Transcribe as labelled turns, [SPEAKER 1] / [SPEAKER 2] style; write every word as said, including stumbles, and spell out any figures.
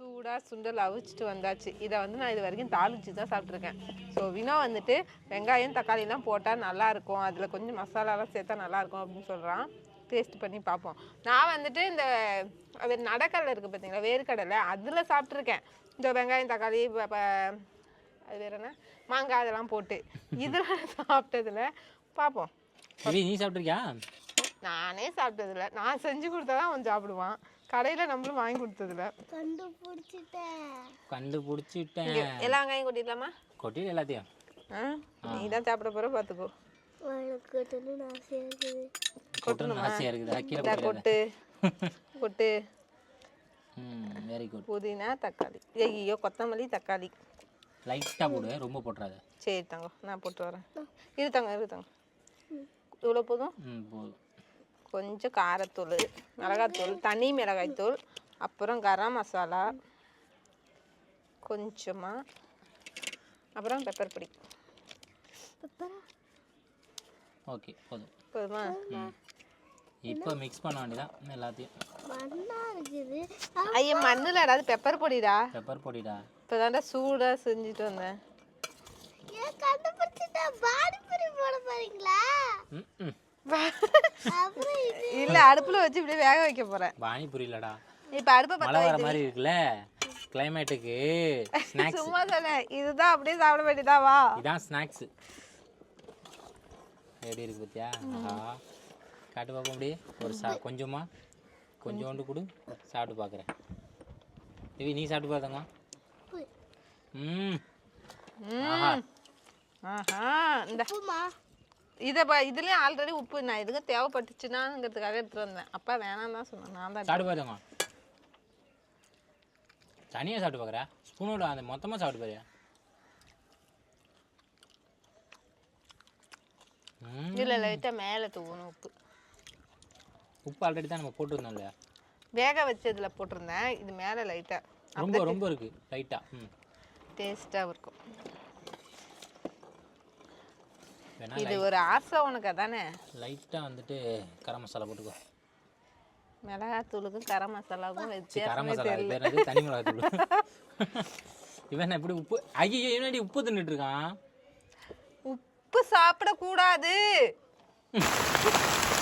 [SPEAKER 1] சூடாக சுண்டல் அவிச்சிட்டு வந்தாச்சு. இதை வந்து நான் இது வரைக்கும் தாளிச்சு தான் சாப்பிட்ருக்கேன். ஸோ வினோ வந்துட்டு வெங்காயம் தக்காளிலாம் போட்டால் நல்லாயிருக்கும், அதில் கொஞ்சம் மசாலாலாம் சேர்த்தா நல்லாயிருக்கும் அப்படின்னு சொல்கிறான். டேஸ்ட் பண்ணி பார்ப்போம். நான் வந்துட்டு இந்த அது நடக்கடலை இருக்குது பார்த்தீங்களா, வேர்க்கடலை, அதில் சாப்பிட்ருக்கேன். இந்த வெங்காயம் தக்காளி அது வேறு என்ன மாங்காய் அதெல்லாம் போட்டு. இதில் சாப்பிட்டதில்ல. பார்ப்போம்.
[SPEAKER 2] நீ சாப்பிட்ருக்கியா?
[SPEAKER 1] நானே சாப்பிட்டதில்ல. நான் செஞ்சு கொடுத்தா தான் அவன் சாப்பிடுவான். கடையில் நம்மளும் வாங்கி கொடுத்ததில்ல.
[SPEAKER 3] கண்டுபிடிச்சிட்டேன்
[SPEAKER 2] கண்டுபிடிச்சிட்டேன்
[SPEAKER 1] எல்லா வெங்காயம் கொட்டிடலாமா?
[SPEAKER 2] கொட்டிடு எல்லாத்தையும்.
[SPEAKER 1] ஆ நீ தான் சாப்பிட போகிற பார்த்துக்கோ.
[SPEAKER 3] கொட்டணும்னு ஆசையாக இருக்குது.
[SPEAKER 2] கொட்டணும்னு ஆசையாக இருக்குது. கீழே
[SPEAKER 1] கொட்டு கொட்டு.
[SPEAKER 2] ம் வெரி குட்.
[SPEAKER 1] புதினா தக்காளி, ஐயோ கொத்தமல்லி தக்காளி
[SPEAKER 2] லைட்டாக போடு, ரொம்ப போட்டுறாத.
[SPEAKER 1] சரி தங்க, நான் போட்டு வரேன். இரு தங்க இரு தங்க இவ்வளோ போதும்.
[SPEAKER 2] ம் போதும்.
[SPEAKER 1] கொஞ்சம் காரத்தூள், மிளகாத்தூள், தனி மிளகாய்த்தூள், அப்புறம் கரம் மசாலா கொஞ்சமாக, அப்புறம் பெப்பர் பொடி.
[SPEAKER 2] ஓகே போதும்.
[SPEAKER 1] போதுமா?
[SPEAKER 2] இப்போ மிக்ஸ் பண்ண வேண்டியதான் எல்லாத்தையும்.
[SPEAKER 3] மண்ணா இருக்குது.
[SPEAKER 1] ஐயா மண்ணில் ஏதாவது பெப்பர் பொடிடா.
[SPEAKER 2] பெப்பர் பொடிடா.
[SPEAKER 1] இப்போ தாண்டா சூடாக செஞ்சுட்டு வந்தேன்.
[SPEAKER 3] ஏன் கண்டுபிடிச்சிட்டா? பானிபூரி போட போறீங்களா?
[SPEAKER 2] ம்
[SPEAKER 1] இல்ல அடுப்புல வச்சு இப்படியே வேக வைக்க போறேன்.
[SPEAKER 2] பானிபூரி இல்லடா.
[SPEAKER 1] இப்ப அடுப்பை பத்த
[SPEAKER 2] மழை வர மாதிரி இருக்குல்ல கிளைமேட்டுக்கு. ஸ்நாக்ஸ்
[SPEAKER 1] சும்மா சொன்னேன். இதுதான் அப்படியே சாப்பிட வேண்டியதா? வா,
[SPEAKER 2] இதான் ஸ்நாக்ஸ். எப்படி இருக்கு பத்தியா? ஆஹா, காட்டு பார்ப்போம். அப்படியே ஒரு சா கொஞ்சமா கொஞ்சோண்டு கொடு, சாப்பிட்டு பார்க்குறேன். தேவி நீ சாப்பிட்டு பார்த்தாங்க. ம் ஆஹா
[SPEAKER 1] ஆஹா. இந்த
[SPEAKER 3] உப்புமா
[SPEAKER 1] இதை பா இதுலேயும் ஆல்ரெடி உப்பு நான் எதுக்கு தேவைப்பட்டுச்சுன்னாங்கிறதுக்காக எடுத்துகிட்டு வந்தேன். அப்பா வேணாம் தான் சொன்னேன். நான் தான்
[SPEAKER 2] சாப்பிட்டு பார்த்தாங்க. தனியாக சாப்பிட்டு பார்க்குறா? ஸ்பூனோட அந்த மொத்தமாக சாப்பிட்டு பாரியா?
[SPEAKER 1] இல்லை லைட்டாக மேலே தூவணும் உப்பு.
[SPEAKER 2] உப்பு ஆல்ரெடி தான் நம்ம போட்டுருந்தோம் இல்லையா?
[SPEAKER 1] வேக வச்சதுல போட்டிருந்தேன். இது மேலே லைட்டாக
[SPEAKER 2] ரொம்ப ரொம்ப இருக்கு லைட்டாக. ம்
[SPEAKER 1] டேஸ்ட்டாக இருக்கும்.
[SPEAKER 2] வேணா
[SPEAKER 1] இது ஒரு ஆசை உனக்கு அதானே?
[SPEAKER 2] லைட்டாக வந்துட்டு கரம் மசாலா போட்டுக்கோ.
[SPEAKER 1] மிளகாத்தூளுக்கும் கரம் மசாலாவுக்கும்
[SPEAKER 2] கரம்
[SPEAKER 1] வித்தியாசமே
[SPEAKER 2] மசாலா
[SPEAKER 1] தெரியல.
[SPEAKER 2] பேர் தனி மிளகாத்தூள். இவன் எப்படி உப்பு ஐயோ என்னடி உப்பு தின்னுட்டு இருக்கான்?
[SPEAKER 1] உப்பு சாப்பிடக்கூடாது.